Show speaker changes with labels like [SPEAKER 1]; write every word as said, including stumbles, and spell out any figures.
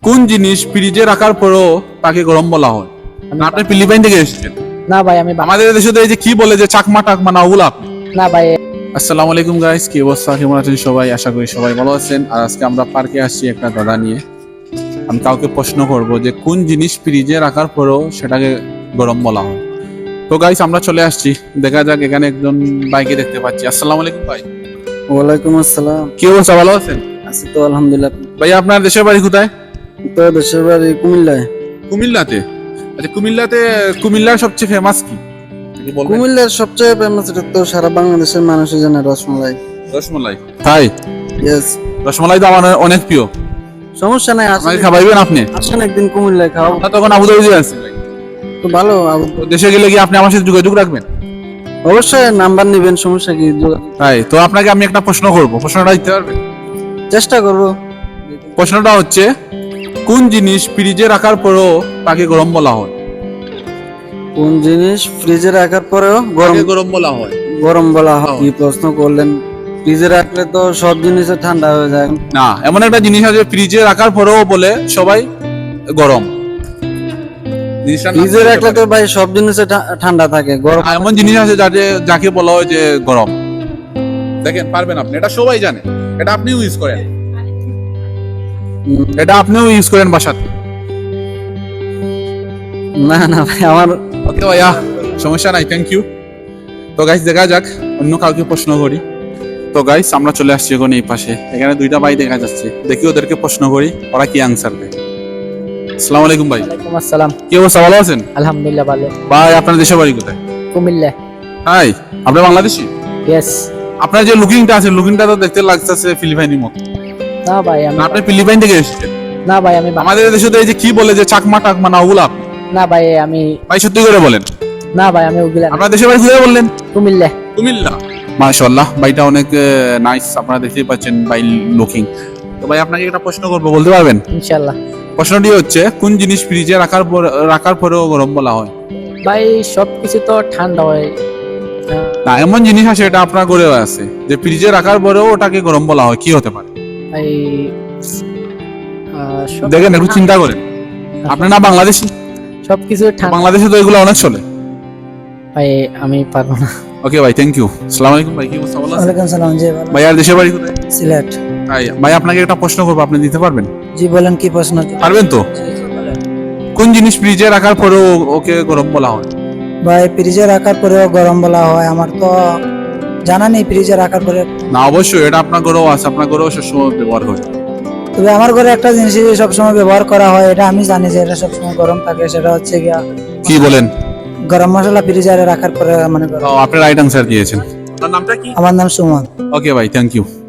[SPEAKER 1] কোন জিনিস ফ্রিজে রাখার পরেও তাকে গরম বলা হয়? না, আপনি ফিলিপাইন থেকে এসেছেন?
[SPEAKER 2] না ভাই আমি বা-
[SPEAKER 1] আমাদের দেশে তো এই যে কি বলে যে চাকমা টাকমা না, ওগুলো আপনি?
[SPEAKER 2] না ভাই
[SPEAKER 1] আসসালামু আলাইকুম গাইস, কি অবস্থা, কেমন আছেন সবাই? আশা করি সবাই ভালো আছেন। আর আজকে আমরা পার্কে আসছি একটা দাদা নিয়ে। আমি কাউকে প্রশ্ন করব যে কোন জিনিস ফ্রিজে রাখার পরেও সেটাকে গরম বলা হয়। তো গাইস আমরা চলে আসছি, দেখা যাক। এখানে একজন বাইকে দেখতে পাচ্ছি। আসসালামু আলাইকুম ভাই।
[SPEAKER 3] ওয়ালাইকুম আসসালাম।
[SPEAKER 1] কি অবস্থা, ভালো আছেন?
[SPEAKER 3] আছি তো আলহামদুলিল্লাহ।
[SPEAKER 1] ভাই আপনার দেশের বাড়ি কোথায়?
[SPEAKER 3] তো দেশের বাড়ি কুমিল্লায়।
[SPEAKER 1] কুমিল্লাতে? আচ্ছা, কুমিল্লাতে কুমিল্লার সবচেয়ে ফেমাস কি কি বলবেন?
[SPEAKER 3] কুমিল্লার সবচেয়ে ফেমাস এটা তো সারা বাংলাদেশের মানুষই জানে, রসমলাই।
[SPEAKER 1] রসমলাই। তাই?
[SPEAKER 3] ইয়েস।
[SPEAKER 1] রসমলাই তো আমার অনেক প্রিয়।
[SPEAKER 3] সমস্যা নাই,
[SPEAKER 1] আমাকে
[SPEAKER 3] আসেন
[SPEAKER 1] খাওয়াইবেন আপনি?
[SPEAKER 3] আসেন একদিন কুমিল্লায় খাও।
[SPEAKER 1] আমরা তখন আবুধাবি আছি ভাই।
[SPEAKER 3] তো ভালো, আব-
[SPEAKER 1] তো দেশে গেলে কি আপনি আমার সাথে যোগাযোগ রাখবেন?
[SPEAKER 3] অবশ্যই নাম্বার নেবেন, সমস্যা কি? যোগাযোগ-
[SPEAKER 1] তাই তো আপনাকে আমি একটা প্রশ্ন করব, প্রশ্নটা দিতে পারবেন?
[SPEAKER 3] চেষ্টা করবো।
[SPEAKER 1] প্রশ্নটা হচ্ছে, কোন জিনিস ফ্রিজে রাখার পরেও তাকে গরম বলা হয়?
[SPEAKER 3] কোন জিনিস ফ্রিজে রাখার পরেও গরম
[SPEAKER 1] তাকে গরম বলা হয়?
[SPEAKER 3] গরম বলা হয়?
[SPEAKER 1] হ্যাঁ।
[SPEAKER 3] কি প্রশ্ন করলেন! ফ্রিজে রাখলে তো সব জিনিস ঠান্ডা হয়ে যায়।
[SPEAKER 1] না, এমন একটা জিনিস আছে ফ্রিজে রাখার পরেও বলে সবাই গরম। জিনিসটার নাম
[SPEAKER 3] ফ্রিজে
[SPEAKER 1] কি
[SPEAKER 3] রাখলে
[SPEAKER 1] হতে
[SPEAKER 3] তো
[SPEAKER 1] পারে?
[SPEAKER 3] ভাই সব জিনিস ঠান্ডা থাকে, গরম।
[SPEAKER 1] আর এমন জিনিস আছে যাতে যাকে বলা হয় যে গরম। দেখেন, পারবেন আপনি? এটা সবাই জানে, এটা আপনিও ইউজ করেন,
[SPEAKER 3] উম,
[SPEAKER 1] এটা আপনিও ইউজ করেন বাসাতে।
[SPEAKER 3] না না ভাই, আমার
[SPEAKER 1] ওকে ভাইয়া, সমস্যা নাই, থ্যাংক ইউ। তো গাইস দেখা যাক, অন্য কাউকে প্রশ্ন করি। তো গাইস আমরা চলে আসছি এখন এই পাশে। এখানে দুইটা ভাই দেখা যাচ্ছে, দেখি ওদেরকে প্রশ্ন করি ওরা কি আনসার দেয়। আসসালামু আলাইকুম ভাই।
[SPEAKER 2] ওয়ালাইকুম আসসালাম।
[SPEAKER 1] কি অবস্থা, ভালো আছেন?
[SPEAKER 2] আলহামদুলিল্লাহ ভালো।
[SPEAKER 1] ভাই আপনার দেশের বাড়ি কোথায়?
[SPEAKER 2] কুমিল্লা।
[SPEAKER 1] হাই, আপনি বাংলাদেশী?
[SPEAKER 2] ইয়েস।
[SPEAKER 1] আপনার যে লুকিংটা আছে, লুকিংটা তো দেখতে লাগতেছে ফিলিপাইনি মতো।
[SPEAKER 2] না ভাই আমি
[SPEAKER 1] না, আপনি ফিলিপাইন থেকে এসেছেন?
[SPEAKER 2] না ভাই আমি বা-
[SPEAKER 1] আমাদের দেশে তো এই যে কি বলে যে চাকমা টাকমা না, ওগুলো আপনি?
[SPEAKER 2] না ভাই আমি
[SPEAKER 1] ভাই সত্যি করে বলেন,
[SPEAKER 2] না ভাই আমি ওগুলা না।
[SPEAKER 1] আপনার দেশের বাড়ি কোথায় বললেন?
[SPEAKER 2] কুমিল্লা।
[SPEAKER 1] কুমিল্লা। মাশাআল্লাহ, ভাইটা অনেক নাইস, আপনারা দেখতেই পাচ্ছেন ভাই লুকিং। তো ভাই আপনাকে একটা প্রশ্ন করবো, বলতে পারবেন?
[SPEAKER 2] ইনশাআল্লাহ।
[SPEAKER 1] প্রশ্নটি হচ্ছে, কোন জিনিস ফ্রিজে রাখার পর রাখার পরেও গরম বলা হয়?
[SPEAKER 2] ভাই সবকিছু তো ঠান্ডা হয়। আহ,
[SPEAKER 1] না, এমন জিনিস আছে এটা আপনার ঘরেও আছে যে ফ্রিজে রাখার পরেও ওটাকে গরম বলা হয়, কি হতে পারে?
[SPEAKER 2] ভাই আহ, সব-
[SPEAKER 1] দেখেন, একটু চিন্তা করেন। আপনি না বাংলাদেশী?
[SPEAKER 2] সবকিছু ঠান্ডা।
[SPEAKER 1] বাংলাদেশে তো এগুলো অনেক চলে।
[SPEAKER 2] ভাই আমি পারবো না।
[SPEAKER 1] ওকে ভাই, থ্যাংক ইউ। আসসালামু আলাইকুম ভাই, কি অবস্থা, ভালো আছেন?
[SPEAKER 3] ওয়ালাইকুম সালাম। জি ভালো।
[SPEAKER 1] ভাই আর দেশের বাড়ি কোথায়?
[SPEAKER 3] সিলেট।
[SPEAKER 1] ভাই ভাই আপনাকে একটা প্রশ্ন করবো, আপনি দিতে পারবেন?
[SPEAKER 3] জি বলেন, কি প্রশ্ন?
[SPEAKER 1] পারবেন তো? কোন জিনিস ফ্রিজে রাখার পরেও ওকে গরম বলা হয়?
[SPEAKER 4] ভাই ফ্রিজে রাখার পরেও গরম বলা হয়? আমার তো জানা নেই ফ্রিজে রাখার পরে।
[SPEAKER 1] না, অবশ্যই এটা আপনার ঘরেও আছে, আপনার ঘরেও সবসময় ব্যবহার হয়।
[SPEAKER 4] তবে আমার ঘরে একটা জিনিস সবসময় ব্যবহার করা হয়, এটা আমি জানি যে এটা সবসময় গরম থাকে, সেটা হচ্ছে গিয়া
[SPEAKER 1] কি বলেন?
[SPEAKER 4] গরম মশলা ফ্রিজে রাখার পরে মানে গরম।
[SPEAKER 1] ও, আপনি রাইট আনসার দিয়েছেন। আপনার নামটা কি?
[SPEAKER 4] আমার নাম সুমন।
[SPEAKER 1] ওকে ভাই, থ্যাংক ইউ।